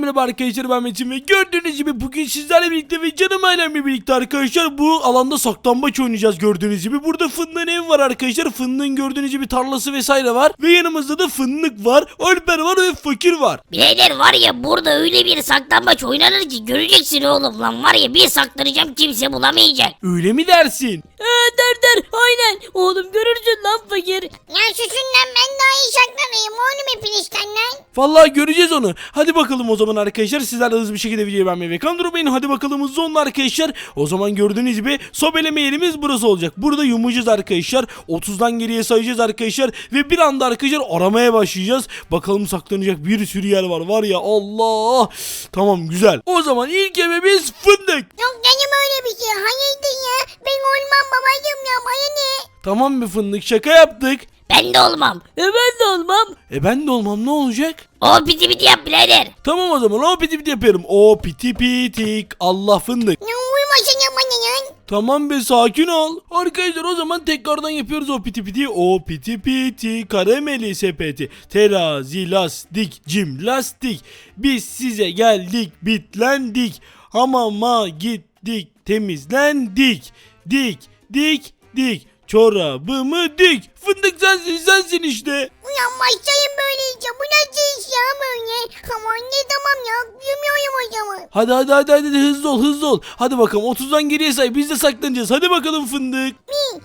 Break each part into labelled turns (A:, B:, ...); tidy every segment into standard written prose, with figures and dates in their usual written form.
A: merhaba arkadaşlar, ben Metin ve gördüğünüz gibi bugün sizlerle birlikte ve canım ailemle birlikte arkadaşlar bu alanda saklambaç oynayacağız. Gördüğünüz gibi burada Fındık'ın evi var arkadaşlar. Fındık'ın gördüğünüz gibi tarlası vesaire var ve yanımızda da Fındık var, Alper var ve Fakir var.
B: Birader var ya, burada öyle bir saklambaç oynanır ki göreceksin oğlum, lan var ya, bir saklanacağım kimse bulamayacak.
A: Öyle mi dersin?
C: Der aynen oğlum, görürsün lan Fakir.
D: Ya susun lan, ben daha iyi saklanayım oğlum hepinizden lan.
A: Vallahi göreceğiz onu. Hadi bakalım o zaman arkadaşlar. Sizler de hızlı bir şekilde videoyu beğenmeyi ve kanalıma durmayın. Hadi bakalım hızlı olun arkadaşlar. O zaman gördüğünüz gibi sobeleme yerimiz burası olacak. Burada yumuşayacağız arkadaşlar. 30'dan geriye sayacağız arkadaşlar. Ve bir anda arkadaşlar aramaya başlayacağız. Bakalım saklanacak bir sürü yer var. Var ya Allah. Tamam, güzel. O zaman ilk evimiz Fındık.
D: Yok canım, öyle bir şey. Hayırdır ya? Ben olmam babacığım ya, bana ne?
A: Tamam bir Fındık, şaka yaptık.
B: Ben de olmam.
C: Ben de olmam.
A: Ben de olmam, ne olacak?
B: O piti piti yap birader.
A: Tamam o zaman o piti piti yapıyorum. O piti pitik Allah Fındık.
D: Ya uyumasın ya bana ya.
A: Tamam be, sakin ol. Arkadaşlar o zaman tekrardan yapıyoruz o piti piti. O piti piti karameli sepeti. Terazi lastik cim lastik. Biz size geldik bitlendik. Hamama gittik temizlendik. Dik dik dik. Çorabımı dik. Fındık sensin işte.
D: Ulan başlayın böyleyse. Bu nasıl iş ya böyle? Aman ne, tamam ya. Yumuyorum o zaman.
A: Hadi hızlı ol. Hadi bakalım 30'dan geriye say, biz de saklanacağız. Hadi bakalım Fındık.
D: 1, 2,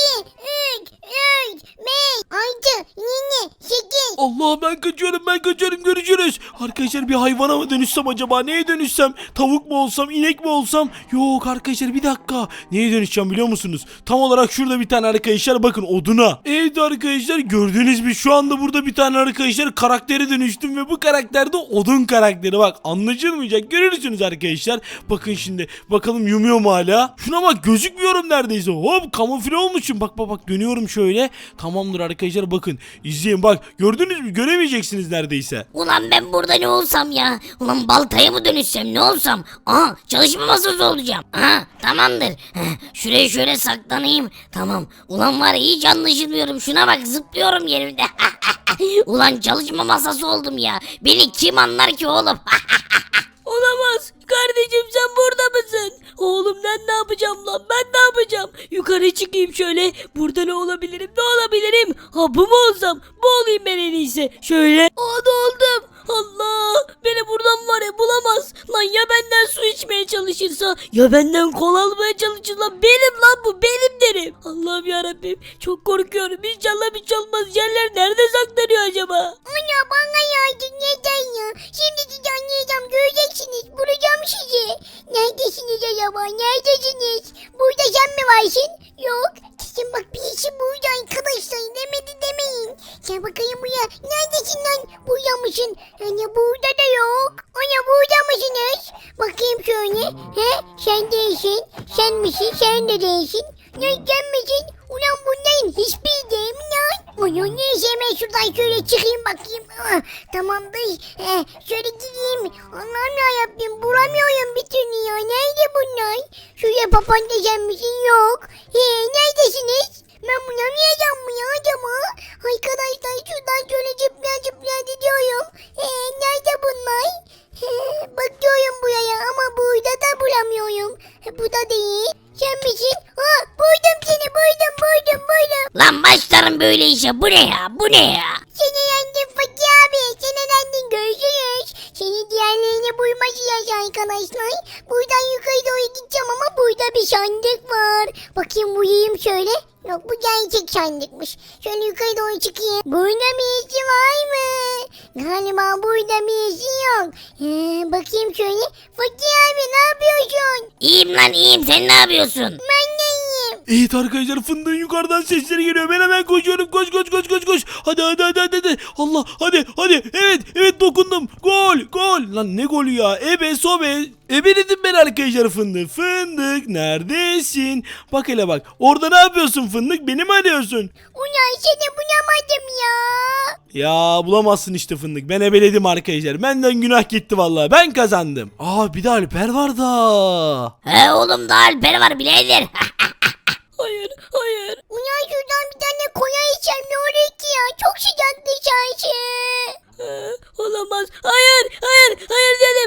D: 3, 4, 5, 6, 7, 8.
A: Allah, ben kaçıyorum, görüşürüz. Arkadaşlar bir hayvana mı dönüşsem acaba, neye dönüşsem, tavuk mu olsam, inek mi olsam? Yok arkadaşlar, bir dakika, neye dönüşeceğim biliyor musunuz? Tam olarak şurada bir tane arkadaşlar, bakın, oduna. Evet arkadaşlar, gördüğünüz gibi şu anda burada bir tane arkadaşlar karaktere dönüştüm ve bu karakter de odun karakteri. Bak, anlaşılmayacak, görürsünüz arkadaşlar. Bakın şimdi, bakalım yumuyor mu hala? Şuna bak, gözükmüyorum neredeyse. Hop, kamufle olmuşum. Bak dönüyorum şöyle. Tamamdır arkadaşlar, bakın izleyin, bak gördünüz mü, göremeyeceksiniz neredeyse.
B: Ulan ben burada ne olsam ya? Ulan baltaya mı dönüşsem, ne olsam? Aha, çalışma masası olacağım. Aha, tamamdır. Şuraya şöyle saklanayım. Tamam. Ulan var ya, hiç anlaşılmıyorum. Şuna bak, zıplıyorum yerimde. Ulan çalışma masası oldum ya. Beni kim anlar ki oğlum?
C: Olamaz. Kardeşim, sen burada mısın? Oğlum ben ne yapacağım lan? Ben ne yapacağım? Yukarı çıkayım şöyle. Burada ne olabilirim? Ne olabilirim? Ha, bu mu olsam? Bu olayım ben en iyisi. Şöyle. Aa, oldum. Allah. Beni buradan var ya bulamaz. Lan ya benden su içmeye çalışırsa? Ya benden kol almaya çalışırsa? Benim lan bu. Benim derim. Allah'ım yarabbim. Çok korkuyorum. İnşallah bir şey olmaz. Yerler nerede saklanıyor acaba?
D: Ana bana yardım, neden ya? Şimdi sizi anlayacağım, göreceksiniz. Bulacağım sizi. Neredesiniz acaba? Neredesiniz? Burada sen mi varsın? Yok. Kesin bak, birisi burada arkadaşlar. Demedi demeyin. Sen bakayım buraya. Neredesin lan? Burada mısın? Ana burada da yok. Ana burada mısınız? Bakayım şöyle. He? Sen değilsin. Sen misin? Sen de değilsin. Ne, sen misin? Ulan bunların hiçbir değil mi lan? Ulan neyse, hemen şuradan şöyle çıkayım bakayım. Ah, tamamdır. Şöyle gideyim. Allah'ım yarabbim, bulamıyorum bir türlü ya. Nerede bunlar? Şuraya papağan sen misin? Yok. Neredesiniz? Ben bulamayacağım mı ya acaba? Arkadaşlar şuradan şöyle zıplaya gidiyorum. Nerede bunlar? Bakıyorum buraya ama burada da bulamıyorum. Bu da değil. Sen misin? Buldum seni, buldum.
B: Lan başlarım böyle işe. Bu ne ya? Bu ne ya?
D: Seni yendim Fakir abi. Seni yendim, görüşürüz. Seni diğerlerini bulmayacağız arkadaşlar. Buradan yukarı doğru gideceğim ama burada bir sandık var. Bakayım, vurayım şöyle. Yok, bu gerçek sandıkmış. Şöyle yukarı doğru çıkayım. Burada birisi var mı? Galiba burada birisi yok. Bakayım şöyle. Fakir abi ne yapıyorsun?
B: İyiyim lan, iyiyim. Sen ne yapıyorsun?
D: Ben de iyiyim.
A: Evet arkadaşlar, Fındık'ın yukarıdan sesleri geliyor. Ben hemen koşuyorum. Koş. Hadi. Allah, hadi. Evet dokundum. Gol. Lan ne golü ya? Ebe sobe. Ebeledim ben arkadaşlar Fındık. Fındık neredesin? Bak hele bak. Orada ne yapıyorsun Fındık? Beni mi arıyorsun?
D: Ulan seni bulamadım ya.
A: Ya bulamazsın işte Fındık. Ben ebeledim arkadaşlar. Benden günah gitti vallahi. Ben kazandım. Aa, bir de Alper var da.
B: He oğlum, da Alper var birader.
C: Hayır.
D: Ulan şuradan bir tane koya içeceğim, ne olur ki ya. Çok sıcak dışarısı.
C: Olamaz. Hayır dede.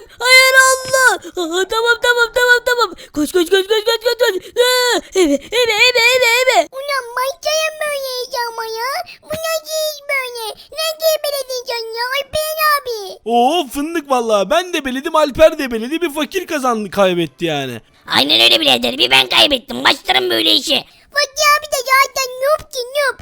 A: fındık vallahi. Ben de beledim, Alper de beledi. Bir fakir kazandı, kaybetti yani.
B: Aynen öyle birader, bir ben kaybettim. Başlarım böyle işe.
D: Fatih abi de zaten noob ki noob.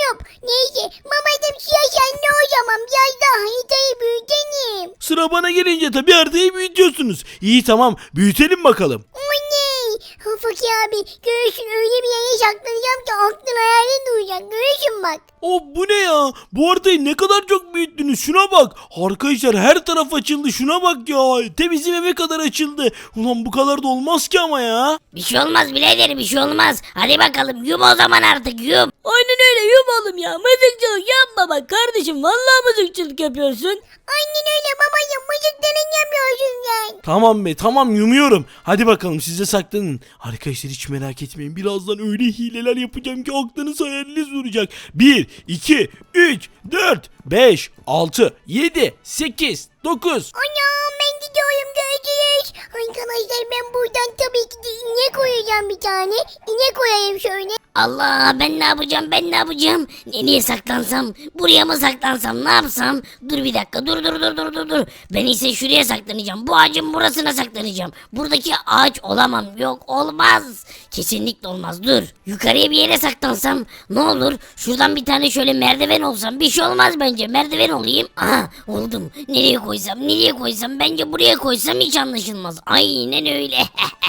D: Neyse babacım sen ne o zaman biraz daha haritayı büyütelim.
A: Sıra bana gelince tabii haritayı büyütüyorsunuz. İyi tamam, büyütelim bakalım.
D: Oley. Fakir abi görürsün öyle bir yere saklanacağım ki aklın hayalin duyacak. Görürsün bak.
A: Bu ne ya? Bu haritayı ne kadar çok büyüttünüz. Şuna bak. Arkadaşlar her taraf açıldı. Şuna bak ya. Te bizim eve kadar açıldı. Ulan bu kadar da olmaz ki ama ya.
B: Bir şey olmaz birader, bir şey olmaz. Hadi bakalım yum o zaman artık yum.
C: Aynen öyle yum oğlum ya. Mızıkçılık yapma bak kardeşim. Vallahi mızıkçılık yapıyorsun.
D: Aynen öyle babacım mızıkların yapıyorsun sen.
A: Tamam be, tamam, yumuyorum. Hadi bakalım, siz de saklanın. Arkadaşlar hiç merak etmeyin. Birazdan öyle hileler yapacağım ki aklınız hayaliniz duracak. 1, 2, 3, 4, 5, 6, 7, 8, 9.
D: Anam ben gidiyorum görüşürüz. Arkadaşlar ben buradan tabii ki de inek koyacağım bir tane. İnek koyayım şöyle.
B: Allah, ben ne yapacağım, ben ne yapacağım? Nereye saklansam, buraya mı saklansam, ne yapsam? Dur bir dakika, dur. Ben ise şuraya saklanacağım, bu ağacın burasına saklanacağım. Buradaki ağaç olamam, yok olmaz. Kesinlikle olmaz, dur. Yukarıya bir yere saklansam ne olur? Şuradan bir tane şöyle merdiven olsam bir şey olmaz bence, merdiven olayım. Aha, oldum. Nereye koysam, bence buraya koysam hiç anlaşılmaz. Aynen öyle.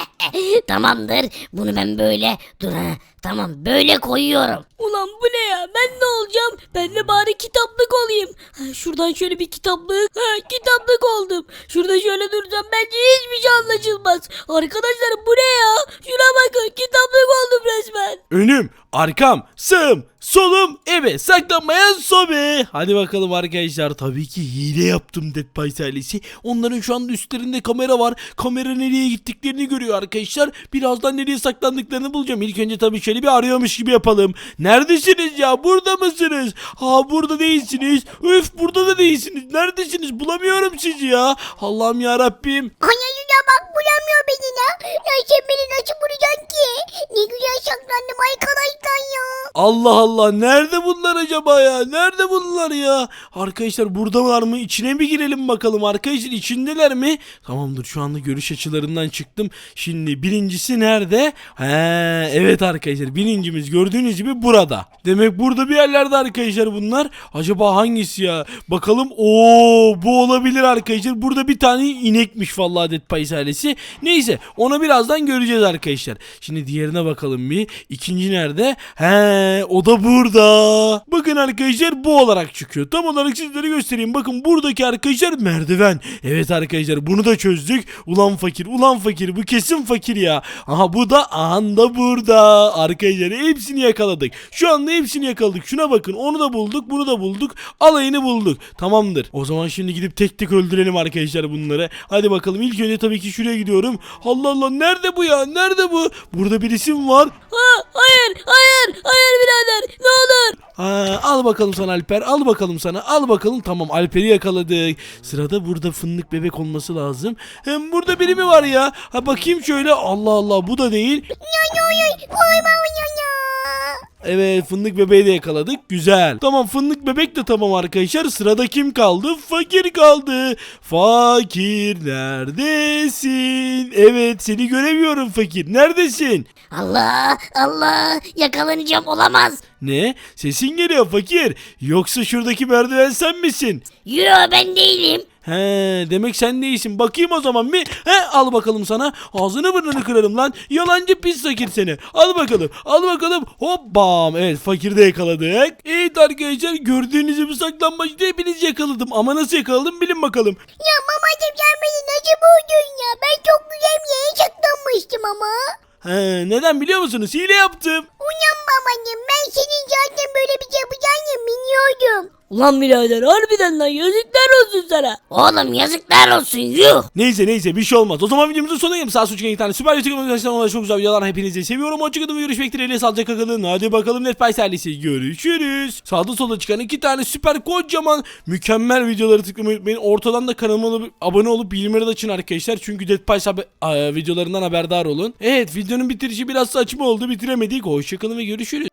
B: Tamamdır, bunu ben böyle, dur ha. Tamam, böyle koyuyorum.
C: Ulan bu ne ya? Ben ne olacağım? Ben de bari kitaplık olayım. Şuradan şöyle bir kitaplık. Kitaplık oldum. Şurada şöyle duracağım. Bence hiçbir şey anlaşılmaz. Arkadaşlar bu ne ya? Şuna bakın. Kitaplık oldum resmen.
A: Önüm, arkam, sağım, solum, eve saklanmayan sobe. Hadi bakalım arkadaşlar. Tabii ki hile yaptım Dead Pies ailesi. Onların şu anda üstlerinde kamera var. Kamera nereye gittiklerini görüyor arkadaşlar. Birazdan nereye saklandıklarını bulacağım. İlk önce tabii şöyle bir arıyormuş gibi yapalım. Neredesiniz ya? Burada mısınız? Ha, burada değilsiniz. Üf, burada da değilsiniz. Neredesiniz? Bulamıyorum sizi ya. Allah'ım ya Rabbim.
D: Anacığına bak bulamıyor beni ya. Ya sen beni nasıl bulacaksın ki? Ne güzel saklandım arkadaşlar ya.
A: Allah Allah, nerede bunlar acaba ya? Nerede bunlar ya? Arkadaşlar buradalar mı? İçine mi girelim bakalım? Arkadaşlar içindeler mi? Tamamdır, şu anda görüş açılarından çıktım. Şimdi birincisi nerede? Evet arkadaşlar, birincimiz gördüğünüz gibi burada. Demek burada bir yerlerde arkadaşlar bunlar. Acaba hangisi ya? Bakalım. Bu olabilir arkadaşlar. Burada bir tane inekmiş vallahi Dead Pies ailesi. Neyse, onu birazdan göreceğiz arkadaşlar. Şimdi diğerine bakalım bir. İkinci nerede? O da burada. Bakın arkadaşlar, bu olarak çıkıyor. Tam olarak sizlere göstereyim. Bakın buradaki arkadaşlar merdiven. Evet arkadaşlar, bunu da çözdük. Ulan fakir, bu kesin fakir ya. Aha, bu da anda burada. Arkadaşlar hepsini yakaladık. Şu anda hepsini yakaladık. Şuna bakın, onu da bulduk, bunu da bulduk. Alayını bulduk. Tamamdır. O zaman şimdi gidip tek tek öldürelim arkadaşlar bunları. Hadi bakalım, ilk önce tabii ki şuraya gidiyorum. Allah Allah, nerede bu ya? Nerede bu? Burada birisi mi var?
C: Hayır birader. Ne olur.
A: Al bakalım sana Alper, al bakalım sana, al bakalım. Tamam, Alper'i yakaladık. Sırada burada fındık bebek olması lazım. Hem burada biri mi var ya? Bakayım şöyle. Allah Allah, bu da değil. Evet, fındık bebeği de yakaladık. Güzel. Tamam, fındık bebek de tamam arkadaşlar. Sırada kim kaldı? Fakir kaldı. Fakir neredesin? Evet, seni göremiyorum fakir. Neredesin?
B: Allah, yakalanacağım, olamaz.
A: Ne? Sesin geliyor fakir. Yoksa şuradaki merdiven sen misin?
B: Yo, ben değilim.
A: Demek sen değilsin. Bakayım o zaman bir. Al bakalım sana. Ağzını burnunu kırarım lan. Yalancı pis fakir seni. Al bakalım. Hop bam. Evet, fakiri de yakaladık. Evet arkadaşlar, gördüğünüz gibi saklanmacıda hepinizi yakaladım. Ama nasıl yakaladım bilin bakalım.
D: Ya babacım sen beni nasıl buldun ya? Ben çok güzel bir yere saklanmıştım ama.
A: Neden biliyor musunuz? Hile yaptım.
D: Ulan babacım ben senin zaten böyle bir şey yapacağını biliyordum.
C: Ulan birader harbiden lan yazıklar olsun sana.
B: Oğlum yazıklar olsun, yuh.
A: Neyse bir şey olmaz. O zaman videomuzun sonuna gelip sağ suçken iki tane süper YouTube'un arkadaşlar, onlara çok güzel videolar, hepinizi seviyorum. Hoşçakalın ve görüşmek dileğiyle, sağlıcakla kalın. Hadi bakalım Dead Pies ailesi, görüşürüz. Sağda solda çıkan iki tane süper kocaman mükemmel videoları tıklamayı unutmayın. Ortadan da kanalıma abone olup bildirimleri açın arkadaşlar. Çünkü Dead Pies videolarından haberdar olun. Evet, videonun bitirişi biraz saçma oldu, bitiremedik. Hoşçakalın ve görüşürüz.